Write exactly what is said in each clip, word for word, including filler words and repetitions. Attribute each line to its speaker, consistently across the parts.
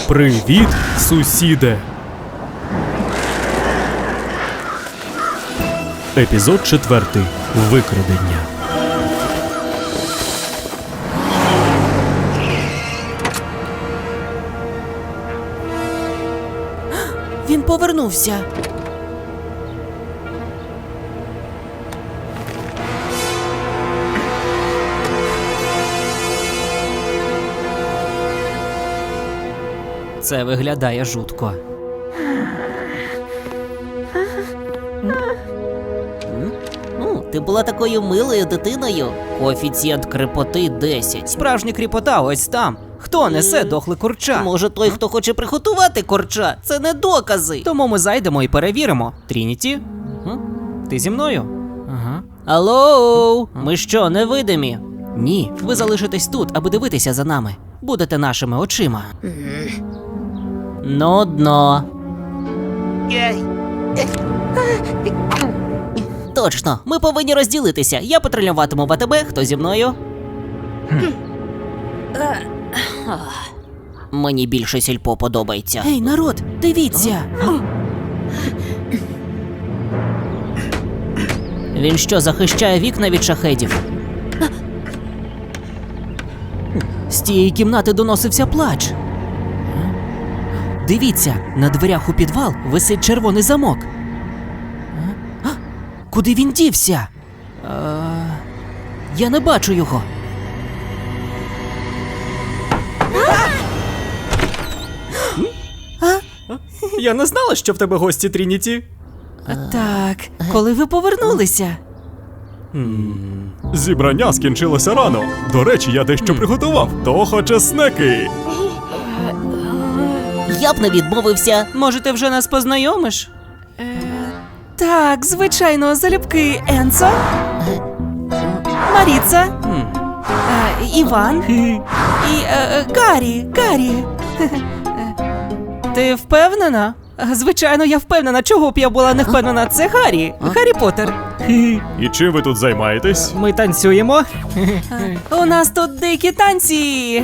Speaker 1: Привіт, сусіде! Епізод четвертий. Викрадення.
Speaker 2: Він повернувся. Це виглядає жутко. Ну, ти була такою милою дитиною. Коефіцієнт кріпоти десять. Справжня кріпота ось там. Хто несе дохле курча? Може той, хто хоче приготувати курча? Це не докази. Тому ми зайдемо і перевіримо. Трініті? Ти зі мною? Ага. Алло, ми що, невидимі? Ні, ви залишитесь тут, аби дивитися за нами. Будете нашими очима. Нудно. Точно, ми повинні розділитися. Я патрулюватиму в АТБ, хто зі мною? Мені більше сільпо подобається. Ей, народ, дивіться! Він що, захищає вікна від шахедів? З тієї кімнати доносився плач. Дивіться, на дверях у підвал висить червоний замок. А? Куди він дівся? А... Я не бачу його. А?
Speaker 1: Я не знала, що в тебе гості, Трініті.
Speaker 2: Так, коли ви повернулися?
Speaker 1: Зібрання скінчилося рано. До речі, я дещо приготував. Хто хоче снеки?
Speaker 2: Я б не відмовився. Може, ти вже нас познайомиш? Е, так, звичайно, залюбки Енцо, Маріца, е, Іван і е, Гаррі, Гаррі. Ти впевнена? Звичайно, я впевнена. Чого б я була не впевнена? Це Гаррі, Гаррі Поттер.
Speaker 1: І чим ви тут займаєтесь?
Speaker 2: Ми танцюємо. У нас тут дикі танці.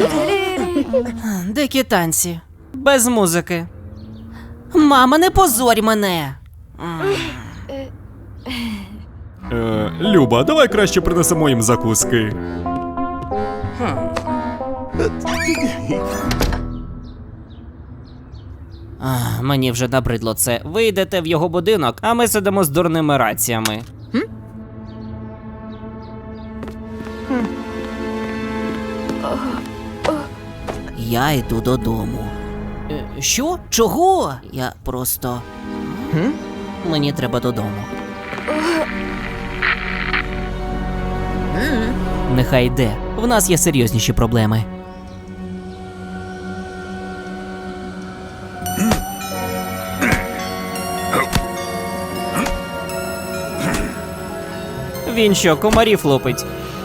Speaker 2: Дикі танці. Без музики. Мама, не позорь мене.
Speaker 1: Е, Люба, давай краще принесемо їм закуски.
Speaker 2: А, мені вже набридло це. Ви йдете в його будинок, а ми сидимо з дурними раціями. Хм? Я йду додому. Е, що? Чого? Я просто... Хм? Мені треба додому. Нехай йде. В нас є серйозніші проблеми. Він що, комарів лупить?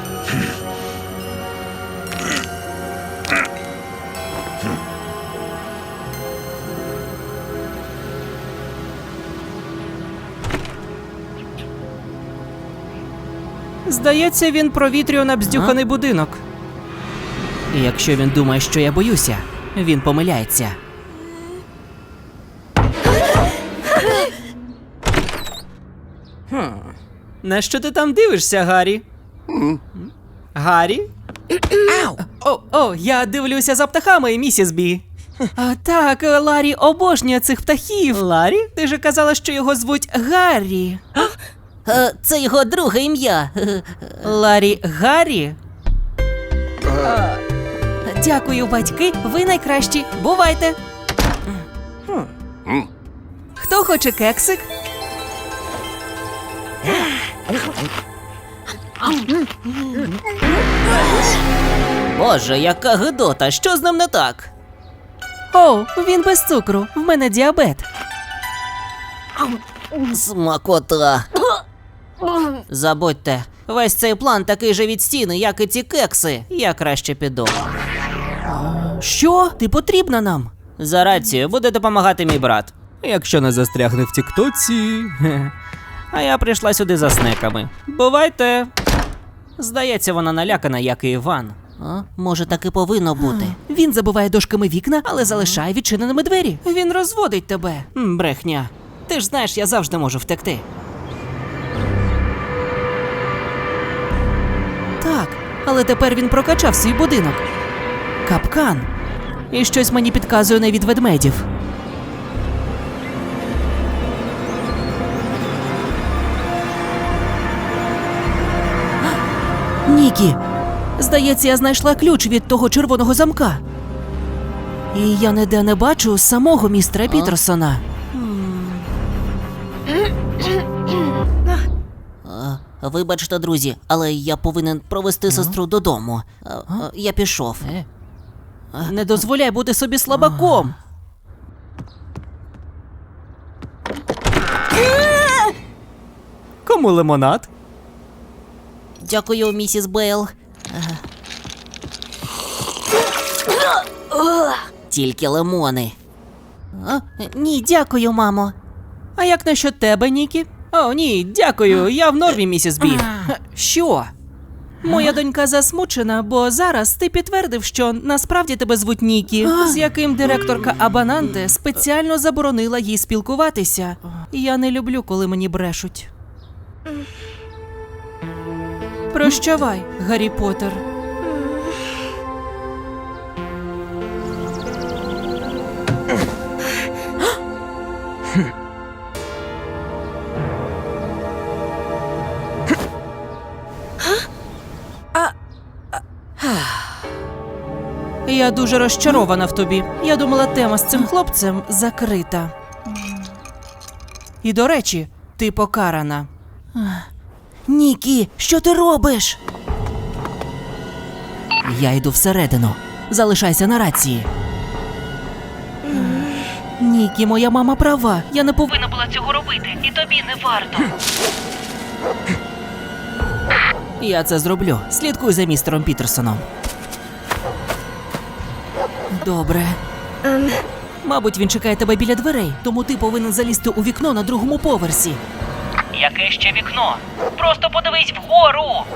Speaker 2: Здається, він провітрює набздюханий будинок. І якщо він думає, що я боюся, він помиляється. Хм. На що ти там дивишся, Гаррі? Гаррі? О, о, я дивлюся за птахами, місіс Бі. А, так, Ларі обожнює цих птахів. Ларі? Ти же казала, що його звуть Гаррі. Це його друге ім'я. Ларі Гаррі? Дякую, батьки, ви найкращі. Бувайте. Хто хоче кексик? Боже, яка гидота, що з ним не так? О, він без цукру, в мене діабет. Смакота. Забудьте, весь цей план такий же від стіни, як і ці кекси. Я краще піду. Що? Ти потрібна нам? За рацію, буде допомагати мій брат. Якщо не застрягне в тіктоці. А я прийшла сюди за снеками. Бувайте. Здається, вона налякана, як і Іван. А? Може, так і повинно бути. Він забиває дошками вікна, але залишає відчиненими двері. Він розводить тебе. М, брехня. Ти ж знаєш, я завжди можу втекти. Так, але тепер він прокачав свій будинок. Капкан. І щось мені підказує не від ведмедів. Нікі, здається, я знайшла ключ від того червоного замка. І я ніде не бачу самого містера Пітерсона. Вибачте, друзі, але я повинен провести сестру додому. Я пішов. Не дозволяй бути собі слабаком. Кому лимонад? Дякую, місіс Бейл. Тільки лимони. А? Ні, дякую, мамо. А як насчет тебе, Нікі? О, ні, дякую, я в нормі, місіс Бі. Що? Моя донька засмучена, бо зараз ти підтвердив, що насправді тебе звуть Нікі, з яким директорка Абананте спеціально заборонила їй спілкуватися. Я не люблю, коли мені брешуть. Прощавай, Гаррі Поттер. Я дуже розчарована в тобі. Я думала, тема з цим хлопцем закрита. І, до речі, ти покарана. Нікі, що ти робиш? Я йду всередину. Залишайся на рації. Нікі, моя мама права. Я не повинна була цього робити. І тобі не варто. Я це зроблю. Слідкуй за містером Пітерсоном. Добре. Мабуть, він чекає тебе біля дверей, тому ти повинен залізти у вікно на другому поверсі.
Speaker 3: Яке ще вікно? Просто подивись вгору!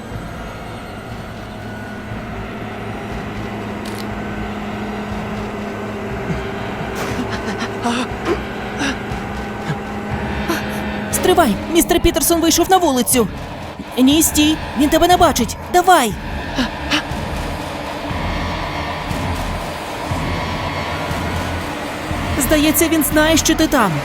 Speaker 2: Стривай! Містер Пітерсон вийшов на вулицю! Ні, стій! Він тебе не бачить! Давай! Здається, він знає, що ти там.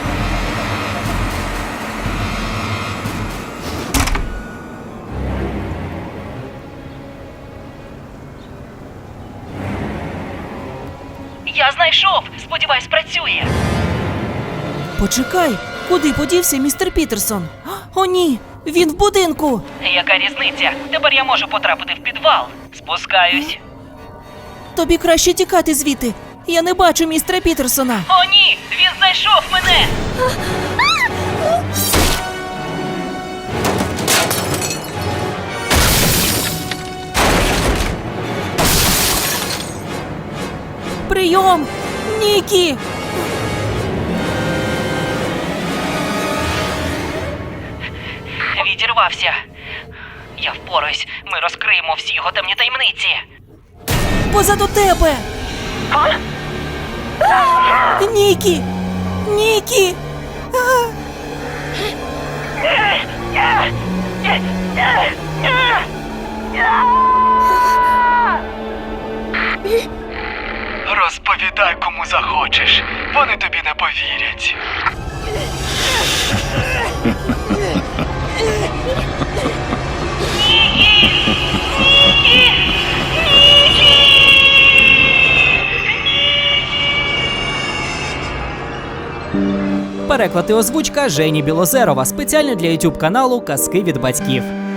Speaker 3: Я знайшов! Сподіваюсь, працює!
Speaker 2: Почекай, куди подівся містер Пітерсон? О, ні, він в будинку!
Speaker 3: Яка різниця? Тепер я можу потрапити в підвал. Спускаюсь.
Speaker 2: Тобі краще тікати звідти. Я не бачу містера Пітерсона.
Speaker 3: О, ні! Він знайшов мене!
Speaker 2: Прийом! Нікі!
Speaker 3: Відірвався. Я впораюсь. Ми розкриємо всі його темні таємниці.
Speaker 2: Позаду тебе! Нікі! Нікі!
Speaker 4: Розповідай, кому захочеш. Вони тобі не повірять.
Speaker 2: Переклад і озвучка Жені Білозерова спеціально для ютуб каналу Казки від батьків.